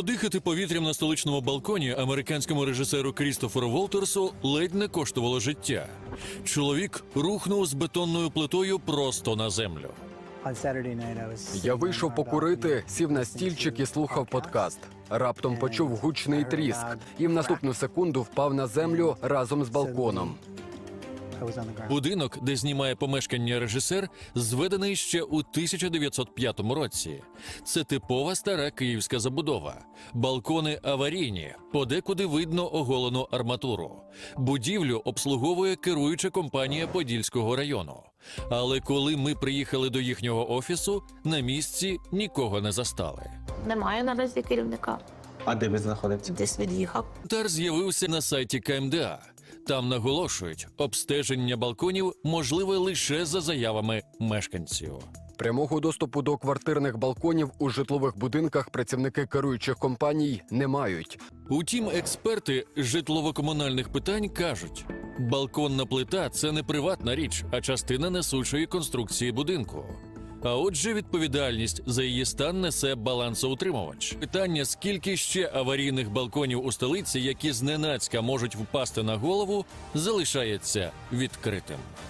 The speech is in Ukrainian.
Подихати повітрям на столичному балконі американському режисеру Крістоферу Волтерсу ледь не коштувало життя. Чоловік рухнув з бетонною плитою просто на землю. Я вийшов покурити, сів на стільчик і слухав подкаст. Раптом почув гучний тріск і в наступну секунду впав на землю разом з балконом. Будинок, де знімає помешкання режисер, зведений ще у 1905 році. Це типова стара київська забудова. Балкони аварійні, подекуди видно оголену арматуру. Будівлю обслуговує керуюча компанія Подільського району. Але коли ми приїхали до їхнього офісу, на місці нікого не застали. Немає наразі керівника. А де ви знаходитеся? Десь від'їхав. Коментар з'явився на сайті КМДА. Там наголошують, обстеження балконів можливе лише за заявами мешканців. Прямого доступу до квартирних балконів у житлових будинках працівники керуючих компаній не мають. Утім, експерти житлово-комунальних питань кажуть, балконна плита – це не приватна річ, а частина несучої конструкції будинку. А отже, відповідальність за її стан несе балансоутримувач. Питання, скільки ще аварійних балконів у столиці, які зненацька можуть впасти на голову, залишається відкритим.